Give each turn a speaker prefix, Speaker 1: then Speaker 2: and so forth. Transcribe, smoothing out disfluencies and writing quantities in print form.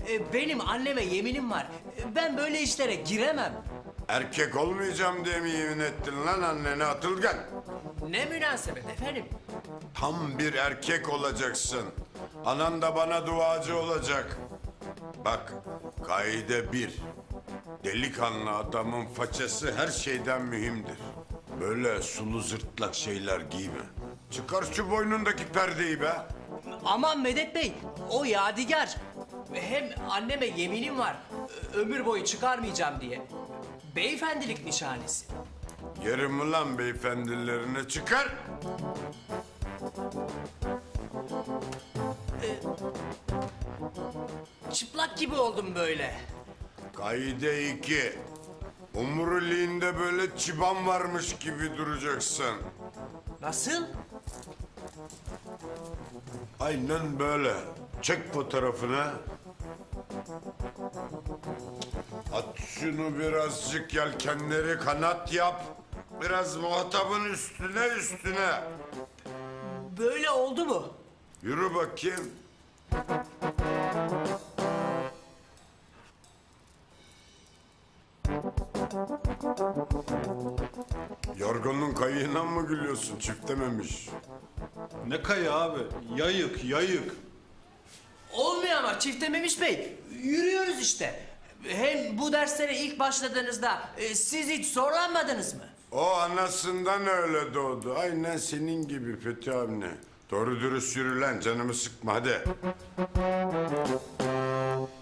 Speaker 1: Benim anneme yeminim var. Ben böyle işlere giremem.
Speaker 2: Erkek olmayacağım diye mi yemin ettin lan annene Atılgan?
Speaker 1: Ne münasebet efendim.
Speaker 2: Tam bir erkek olacaksın. Anan da bana duacı olacak. Bak, kaide bir. Delikanlı adamın façası her şeyden mühimdir. Böyle sulu zırtlak şeyler giyme. Çıkar şu boynundaki perdeyi be.
Speaker 1: Aman Medet Bey, o yadigar. Hem anneme yeminim var. Ömür boyu çıkarmayacağım diye. Beyefendilik nişanesi.
Speaker 2: Yerim ulan beyefendilerini çıkar.
Speaker 1: Çıplak gibi oldum böyle.
Speaker 2: Kaide 2. Umuriliğinde böyle çıban varmış gibi duracaksın.
Speaker 1: Nasıl?
Speaker 2: Aynen böyle. Çek fotoğrafını. At şunu birazcık yelkenleri kanat yap. Biraz muhatabın üstüne.
Speaker 1: Böyle oldu mu?
Speaker 2: Yürü bakayım. Yorgunluğun kayığına mı gülüyorsun? Çiftememiş.
Speaker 3: Ne kayı abi? Yayık, yayık.
Speaker 1: Olmuyor ama çifte Memiş Bey. Yürüyoruz işte. Hem bu derslere ilk başladığınızda siz hiç zorlanmadınız mı?
Speaker 2: O anasından öyle doğdu. Aynen senin gibi Fethi abine. Doğru dürüst yürü lan, canımı sıkma hadi.